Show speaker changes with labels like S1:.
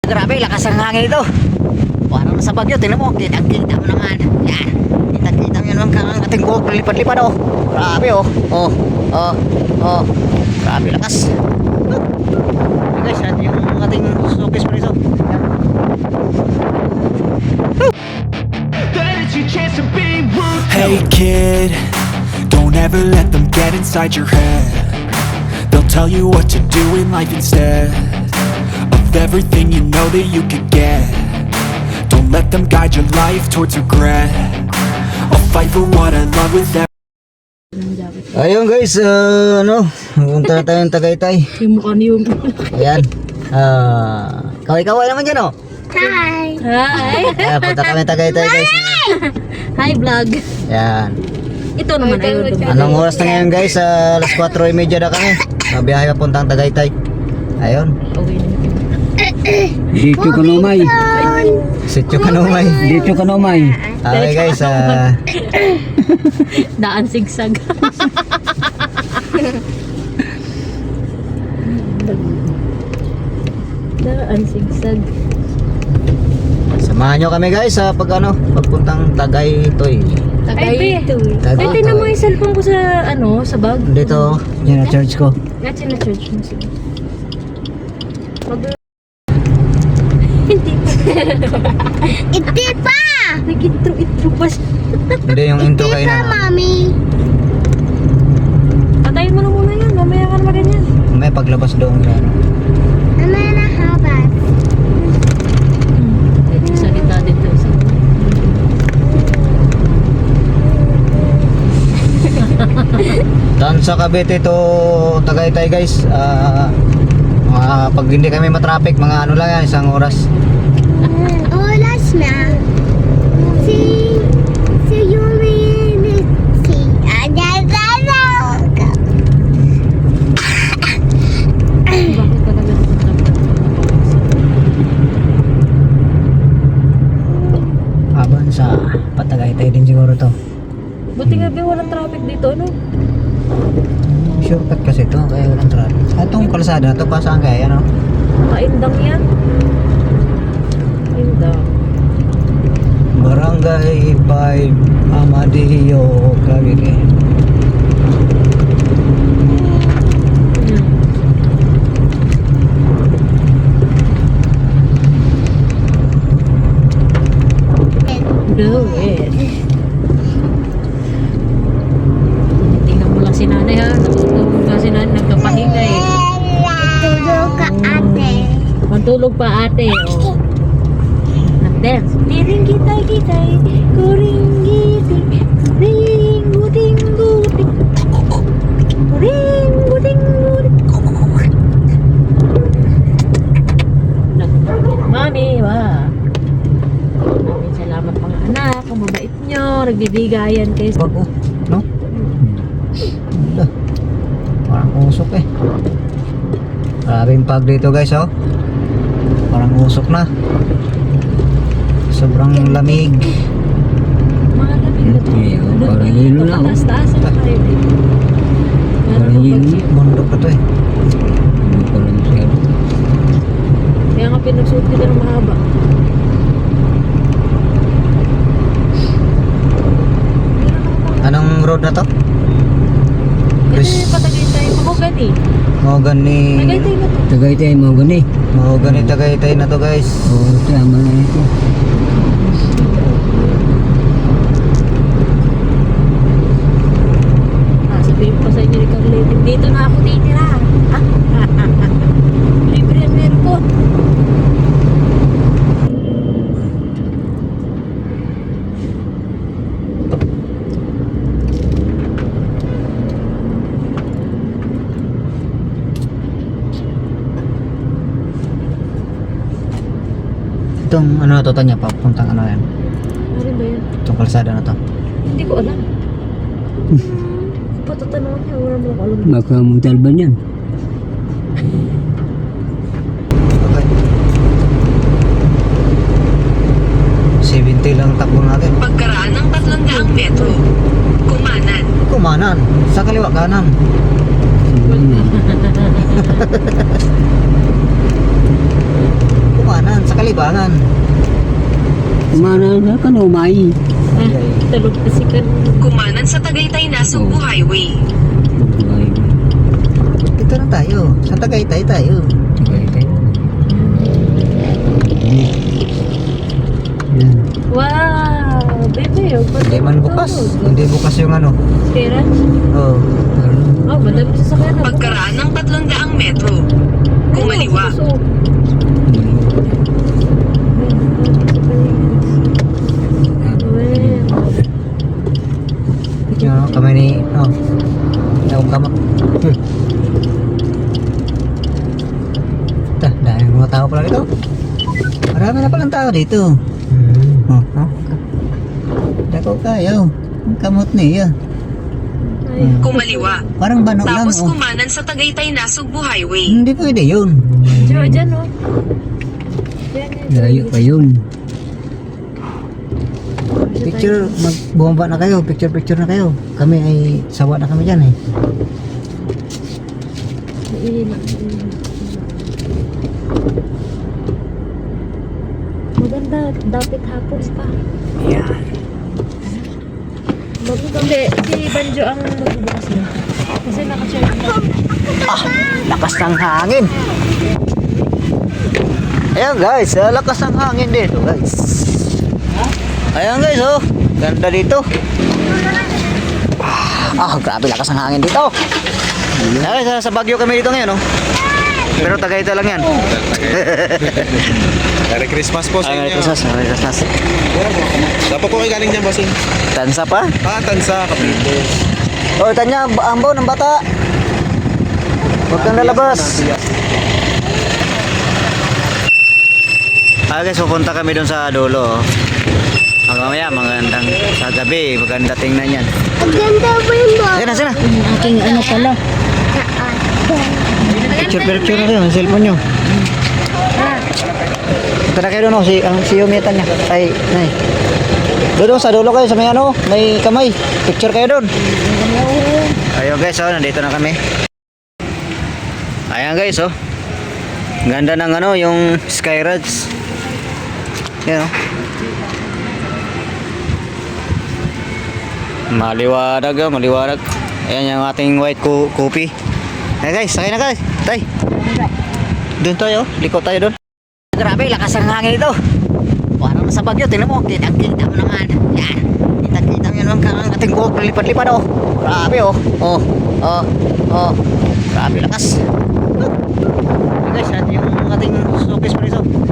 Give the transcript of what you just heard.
S1: Grabe, lakas ang hangin ito. Parang nasa Bagyo, tingnan mo, kitang-kita mo naman. Yan, kitang-kita mo yun ang ating buhok, lipad-lipad oh. Grabe oh, grabe lakas. Okay guys, natin yung ating showcase pa rin.
S2: Hey kid, don't ever let them get inside your head. They'll tell you what to do in life instead of everything you know that you could get. Don't let them guide your life towards regret. I'll fight for what I love with every.
S1: Ayun guys, pumunta na tayong Tagaytay.
S3: Yung mukha niyo.
S1: Ayan, kaway-kaway naman dyan oh.
S3: Hi!
S1: Ayan, punta kami Tagaytay guys.
S3: Hi vlog!
S1: Ayan.
S3: Ito naman ayun.
S1: Anong oras na ngayon guys? Alas 4:30 na kami. Mabiyahe papuntang Tagaytay. Ayun.
S4: Dito ka nomay.
S1: Sityo Kanumay.
S4: Dito ka nomay.
S1: Okay guys,
S3: Daan sigsag. Daan sigsag.
S1: samahan nyo kami guys sa pagpuntang Tagaytoy.
S3: Tagaytoy. Ay,
S1: Tagaytoy.
S3: tingnan mo yung cellphone ko sa sa bag.
S1: Dito, yan ang church ko.
S3: At na church mo sige. Hindi pa.
S5: Hindi pa!
S3: Nag-intro pa siya.
S1: Hindi yung intro kayo na.
S5: Mami.
S3: Patayin mo na muna yan. Mamaya ka naman ganyan.
S1: May paglabas doon yan.
S5: Ano na habas?
S3: Sa gitna dito.
S1: Doon sa Cavite to Tagaytay guys. Pag hindi kami matraffic, mga lang yan, isang oras.
S5: Oras na. Si Yuri. Si Adadada.
S3: Bakit talaga
S1: Habang sa Patagaytay din siguro to.
S3: buti nga ba walang traffic dito, ano?
S1: Shortcut kasi to, kaya walang traffic. Itong kalsada to, pa saan kaya, no?
S3: Makaindang yan. Indang.
S1: Barangay 5 Amadillo, Cavite.
S3: Do it. Tingnan mo lang si nanay ha. Natutulog nga si nanay. Nagkapahinga eh.
S5: Tulog ka ate.
S3: Mantulog pa ate. Oh. Nag-dance. Tiring kitay. Kuring giting. Ring guting guting. Ring guting guting. Mami, wa. Maraming salamat mga anak. Kung mabait nyo. Nagbibigayan kayo.
S1: Bago, no? Wala. Parang usok eh. Maraming pag dito guys, oh. Parang usok na. Sobrang lamig.
S3: Mga lamig na to.
S4: Parang hilo na, oh.
S3: Taas-taas ang kayo.
S4: Parang hilo.
S1: Bundok na to eh.
S4: Hindi ko lang siya.
S3: Kaya nga pinagsuot kita ng mahaba.
S1: Anong road na to?
S3: Kasi patagay tayo. Mahogany.
S1: Mahogany.
S3: Tagay tayo na to.
S4: Tagaytay mo gani.
S1: Mahogany Tagaytay na to guys.
S4: Oo, tama na ito.
S3: Sabihin pa sa inyo ni Carletin, dito na ako titira. Libre ang meron ko.
S1: Itong ano na to, Tanya, papuntang ano yan?
S3: Ano ba yan?
S1: Itong kalsada na to.
S3: Hindi ko alam. Patatanong niya, wala mo alam.
S4: Baka mutal ba niyan?
S1: Okay. 70 lang takbo natin.
S6: Pagkaraan ng 300 metro, kumanan.
S1: Kumanan, sa kaliwa kanan.
S4: Siguro na.
S1: Kumanan, libangan.
S4: Kumana na ka no, Mai.
S3: Talog na si Kan.
S6: Kumanan sa Tagaytay na Subo Highway.
S1: Dito na tayo. Sa Tagaytay tayo.
S4: Yan.
S3: Wow! Bebe, oh.
S1: Hindi man bukas. Hindi bukas yung ano.
S3: Kera?
S1: Oh.
S3: Oh, madami sa sakyan na.
S6: Pagkaraan ng 300 metro. Kumaliwa.
S1: Yung ano, kami ni... Oh. Yung kamak. Dahil mga tao pala dito. Marami na palang tao dito. Oh, oh. Dako kayo. Ang kamot niya.
S6: Kumaliwa.
S1: Parang bano lang.
S6: Tapos
S1: Oh.
S6: kumanan sa Tagaytay na Subo Highway.
S1: Hindi pwede yun.
S3: Dyan, oh.
S4: Layo pa yun.
S1: Picture, magbomba na kayo. Picture na kayo. Kami ay sawa na kami dyan eh.
S3: Maganda, dapat hapon pa.
S1: Yan.
S3: Hindi, si Banjo ang magbubukas na. Kasi naka-share na.
S1: Lakas ng hangin. Ayan guys, lakas ng hangin dito guys. Ayan guys, oh. Ganda dito. Grabe lakas ng hangin dito. Guys, sa Baguio kami dito ngayon, oh. Pero Tagaytay lang yan.
S7: Merry Christmas po sa
S1: Ay,
S7: inyo.
S1: Merry Christmas.
S7: Dapat po kayo galing dyan, bossing.
S1: Tansa pa?
S7: Tansa, Kapito.
S1: Oh, tanya, ambo ng bata. Huwag kang lalabas. Guys, pupunta kami doon sa dulo. Mamaya, magandang sa gabi. Maganda tingnan yan.
S5: Ang ganda po yung boss.
S1: Sige na.
S3: Aking ano pala.
S1: Picture na kayo, ang cellphone nyo. Punta na kayo doon, oh, si Yumitan niya. Ay, nay. Doon, sa dulo kayo, sa may ano, may kamay. Picture kayo doon. Ayun guys, oh, nandito na kami. Ayan guys, oh. Ganda ng ano, yung Skyrides. Yan, oh. Maliwanag, oh, maliwanag. Ayan yung ating white coffee. Ayan guys, sakay na guys. Tay. Doon tayo, liko tayo doon. Grabe, lakas ang hangin ito. Parang sa Baguio, tingnan mo, kitang-kita mo naman. Yan, kitang-kita mo yun ang ating buhok, lipad-lipad, oh. Grabe, oh. Oh. Grabe, lakas. Ayan guys, natin yung ating showcase pa rin, oh.